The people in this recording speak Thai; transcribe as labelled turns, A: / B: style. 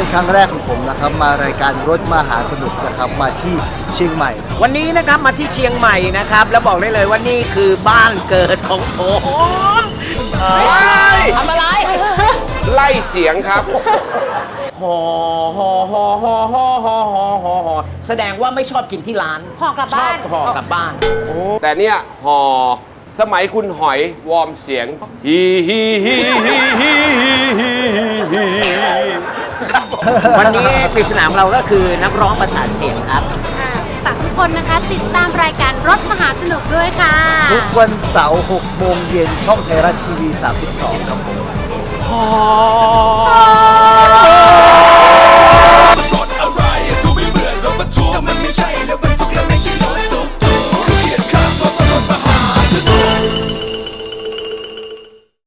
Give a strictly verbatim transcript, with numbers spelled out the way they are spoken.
A: ครั้งแรกของผมนะครับมารายการรถมหาสนุกนะครับมาที่เชียงใหม่
B: วันนี้นะครับมาที่เชียงใหม่นะครับแล้วบอกได้เลยว่านี่คือบ้านเกิดของผมทำอะไร
C: ไล่เสียงครับฮอฮอฮอฮอฮอฮอฮอฮอฮอ
B: แสดงว่าไม่ชอบกินที่ร้าน
D: ห่อกลับบ้าน
B: ชอบห่อกลับบ้าน
C: แต่เนี่ยฮอสมัยคุณหอยวอร์มเสียงฮีฮีฮีฮีฮีฮีฮี
B: วันนี้ปริศนาของเราก็คือนักร้องประสานเสียงครับ
D: ฝากทุกคนนะคะติดตามรายการรถมหาสนุกด้วยค่ะ
A: ทุกวันเสาร์หกโมงเย็นช่องไทยรัฐทีวีสามสิบสองครับผม
B: ฮอ